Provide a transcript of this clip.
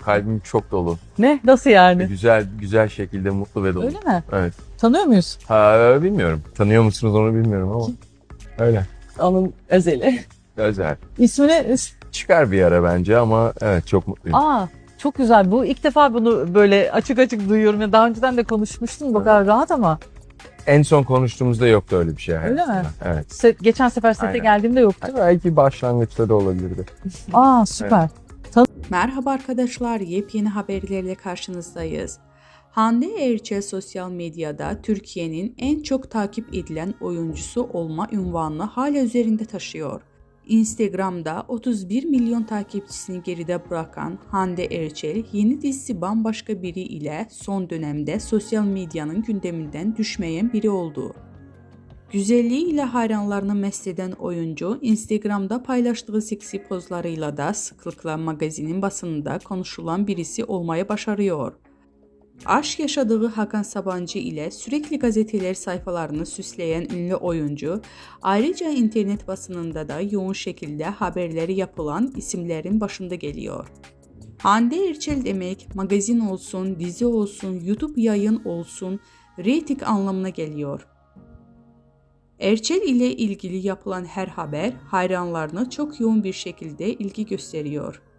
kalbim çok dolu. Ne? Nasıl yani? Güzel şekilde mutlu ve dolu. Öyle mi? Evet. Tanıyor muyuz? Bilmiyorum. Tanıyor musunuz onu bilmiyorum ama. Öyle. Onun özeli. Özel. İsmini... Çıkar bir ara bence ama evet çok mutluyum. Aa, çok güzel. Bu ilk defa bunu böyle açık açık duyuyorum. Ya daha önceden de konuşmuştum. Bu kadar rahat ama. En son konuştuğumuzda yoktu öyle bir şey. Öyle mi? Evet. Geçen sefer sete Aynen. geldiğimde yoktu. Belki başlangıçta da olabilirdi. Aa, süper. Merhaba arkadaşlar, yepyeni haberlerle karşınızdayız. Hande Erçel sosyal medyada Türkiye'nin en çok takip edilen oyuncusu olma unvanını hala üzerinde taşıyor. Instagram'da 31 milyon takipçisini geride bırakan Hande Erçel, yeni dizisi Bambaşka Biri ile son dönemde sosyal medyanın gündeminden düşmeyen biri oldu. Güzelliğiyle hayranlarını mest eden oyuncu, Instagram'da paylaştığı seksi pozlarıyla da sıklıkla magazinin basınında konuşulan birisi olmayı başarıyor. Aşk yaşadığı Hakan Sabancı ile sürekli gazeteler sayfalarını süsleyen ünlü oyuncu, ayrıca internet basınında da yoğun şekilde haberleri yapılan isimlerin başında geliyor. Hande Erçel demek, magazin olsun, dizi olsun, YouTube yayın olsun, reyting anlamına geliyor. Erçel ile ilgili yapılan her haber hayranlarına çok yoğun bir şekilde ilgi gösteriyor.